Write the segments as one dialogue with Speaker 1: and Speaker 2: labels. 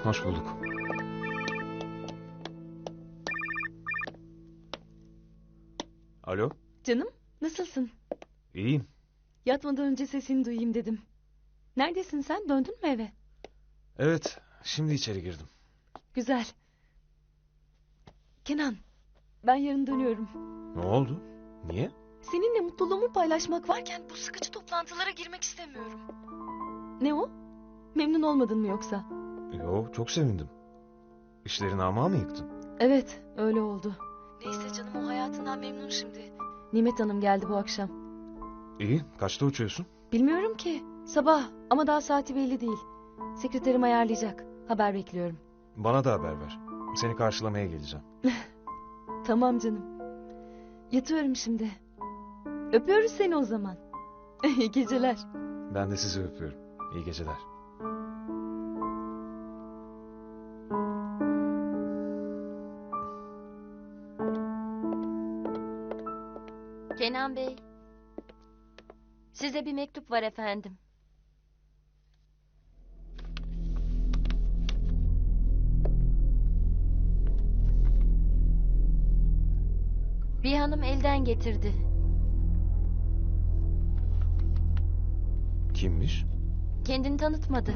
Speaker 1: Hoş bulduk. Alo?
Speaker 2: Canım, nasılsın?
Speaker 1: İyiyim.
Speaker 2: Yatmadan önce sesini duyayım dedim. Neredesin sen? Döndün mü eve?
Speaker 1: Evet, şimdi içeri girdim.
Speaker 2: Güzel. Kenan, ben yarın dönüyorum.
Speaker 1: Ne oldu? Niye?
Speaker 2: Seninle mutluluğumu paylaşmak varken bu sıkıcı toplantılara girmek istemiyorum. Ne o? Memnun olmadın mı yoksa?
Speaker 1: Yo, çok sevindim. İşlerini ama mı yıktın?
Speaker 2: Evet, öyle oldu. Neyse canım, o hayatından memnun şimdi. Nimet Hanım geldi bu akşam.
Speaker 1: İyi, kaçta uçuyorsun?
Speaker 2: Bilmiyorum ki. Sabah ama daha saati belli değil. Sekreterim ayarlayacak. Haber bekliyorum.
Speaker 1: Bana da haber ver. Seni karşılamaya geleceğim.
Speaker 2: Tamam canım. Yatıyorum şimdi. Öpüyoruz seni o zaman. İyi geceler.
Speaker 1: Ben de sizi öpüyorum. İyi geceler.
Speaker 3: Kenan Bey. Size bir mektup var efendim. Bir hanım elden getirdi.
Speaker 1: Kimmiş?
Speaker 3: Kendini tanıtmadı.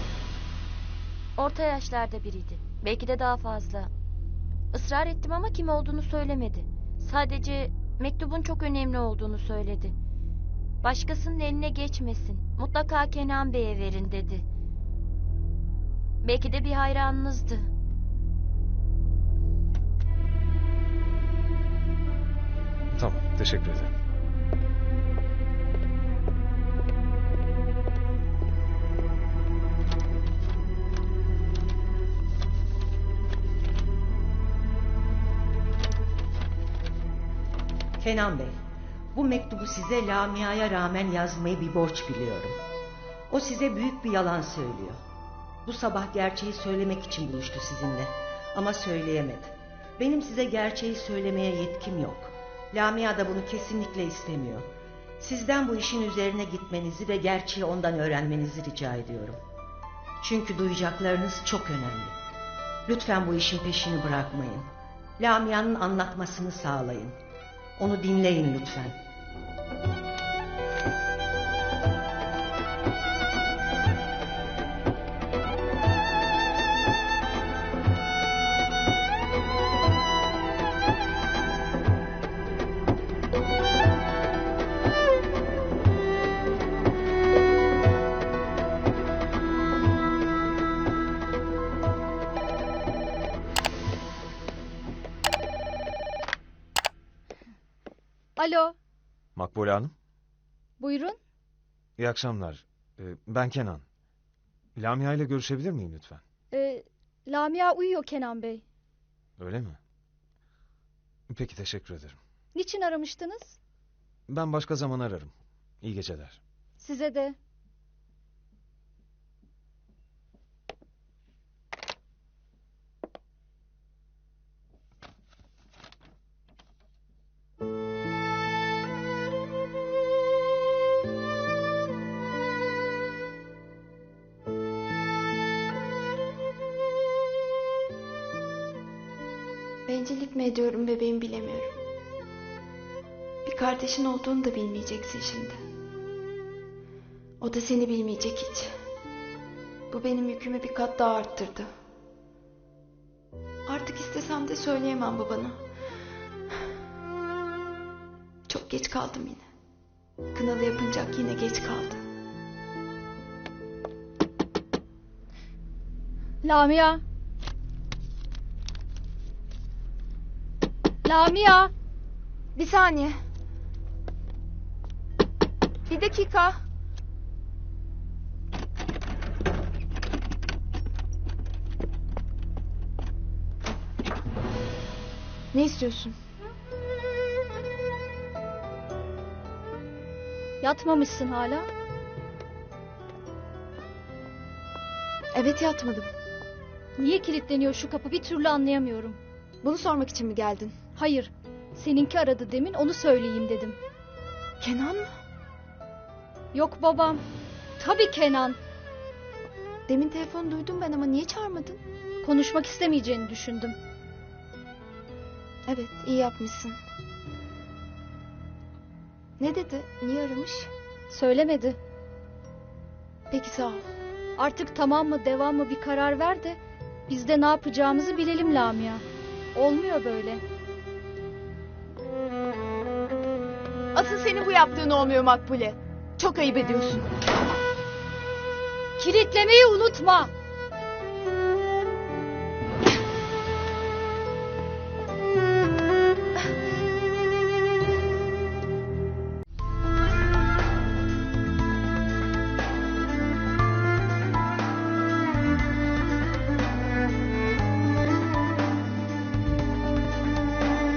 Speaker 3: Orta yaşlarda biriydi. Belki de daha fazla. Israr ettim ama kim olduğunu söylemedi. Sadece mektubun çok önemli olduğunu söyledi. Başkasının eline geçmesin. Mutlaka Kenan Bey'e verin dedi. Belki de bir hayranınızdı.
Speaker 1: Tamam, teşekkür ederim.
Speaker 4: Kenan Bey, bu mektubu size Lamia'ya rağmen yazmayı bir borç biliyorum. O size büyük bir yalan söylüyor. Bu sabah gerçeği söylemek için buluştu sizinle. Ama söyleyemedi. Benim size gerçeği söylemeye yetkim yok. Lamia da bunu kesinlikle istemiyor. Sizden bu işin üzerine gitmenizi ve gerçeği ondan öğrenmenizi rica ediyorum. Çünkü duyacaklarınız çok önemli. Lütfen bu işin peşini bırakmayın. Lamia'nın anlatmasını sağlayın. Onu dinleyin lütfen.
Speaker 5: Alo,
Speaker 1: Makbule Hanım,
Speaker 5: buyurun.
Speaker 1: iyi akşamlar. Ben Kenan. Lamia ile görüşebilir miyim lütfen?
Speaker 5: Lamia uyuyor Kenan Bey.
Speaker 1: Öyle mi? Peki, teşekkür ederim.
Speaker 5: Niçin aramıştınız?
Speaker 1: Ben başka zaman ararım. İyi geceler.
Speaker 5: Size de.
Speaker 6: Bencillik mi ediyorum bebeğim bilemiyorum. Bir kardeşin olduğunu da bilmeyeceksin şimdi. O da seni bilmeyecek hiç. Bu benim yükümü bir kat daha arttırdı. Artık istesem de söyleyemem babana. Çok geç kaldım yine. Kınalı yapınacak yine geç kaldı.
Speaker 5: Lamia. Lamia.
Speaker 6: Bir saniye. Bir dakika. Ne istiyorsun?
Speaker 5: Yatmamışsın hala.
Speaker 6: Evet, yatmadım.
Speaker 5: Niye kilitleniyor şu kapı bir türlü anlayamıyorum.
Speaker 6: Bunu sormak için mi geldin?
Speaker 5: Hayır, seninki aradı demin, onu söyleyeyim dedim.
Speaker 6: Kenan mı?
Speaker 5: Yok babam. Tabii Kenan.
Speaker 6: Demin telefonu duydum ben ama niye çağırmadın?
Speaker 5: Konuşmak istemeyeceğini düşündüm.
Speaker 6: Evet, iyi yapmışsın. Ne dedi? Niye aramış?
Speaker 5: Söylemedi.
Speaker 6: Peki sağ ol.
Speaker 5: Artık tamam mı devam mı bir karar ver de biz de ne yapacağımızı bilelim Lamia. Olmuyor böyle.
Speaker 2: Asıl senin bu yaptığın olmuyor Makbule. Çok ayıp ediyorsun.
Speaker 5: Kilitlemeyi unutma.